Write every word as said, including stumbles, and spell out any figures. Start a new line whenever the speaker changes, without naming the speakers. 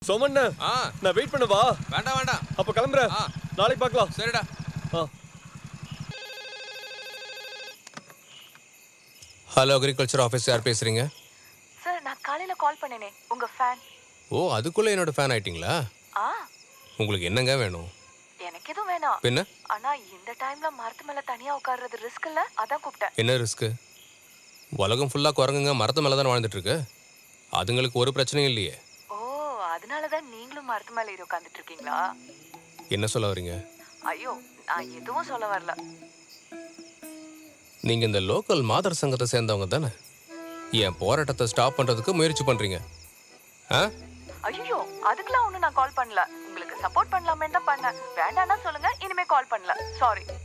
சோமண்ண
ஆ
நான் வெயிட் பண்ணவா?
வேண்டாம் வேண்டாம்.
அப்ப கிளம்புறேன்.
ஆ
நாளைக்கு பார்க்கலாம்.
சரிடா.
ஆ
ஹலோ அக்ரிகல்ச்சர் ஆஃபீஸ், யார் பேசுறீங்க?
சார் நான் காலையில கால் பண்ணேனே உங்க ஃபேன்.
ஓ, அதுக்குள்ள என்னோட ஃபேன் ஆயிட்டீங்களா?
ஆ
உங்களுக்கு என்னங்க வேணும்?
எனக்கு எதுவும் வேணாம்.
பின்ன
ஆனா இந்த டைம்ல மரத்து மேல தனியா உட்கார்றது ரிஸ்க் இல்ல, அதான் கூப்பிட்டேன்.
என்ன ரிஸ்க்கு? உலகம் ஃபுல்லாக குரங்குங்க மரத்து மேலே தானே வாழ்ந்துட்டு இருக்கு. அதுங்களுக்கு ஒரு பிரச்சனையும் இல்லையே.
ஓ, அதனாலதான் நீங்களும் மரத்து மேல ஏறி உட்கார்ந்துட்டு இருக்கீங்களா?
என்ன சொல்ல வரீங்க?
ஐயோ, நான் எதுவும் சொல்ல வரல.
நீங்கள் இந்த லோக்கல் மாதர் சங்கத்தை சேர்ந்தவங்க தானே? என் போராட்டத்தை ஸ்டாப் பண்ணுறதுக்கு முயற்சி பண்ணுறீங்க ஆ?
ஐயோ, அதுக்கெல்லாம் ஒண்ணும் நான் கால் பண்ணல. உங்களுக்கு சப்போர்ட் பண்ணலாமே தான் பண்ணேன். வேண்டாம்னா சொல்லுங்க, இனிமே கால் பண்ணல. சாரி.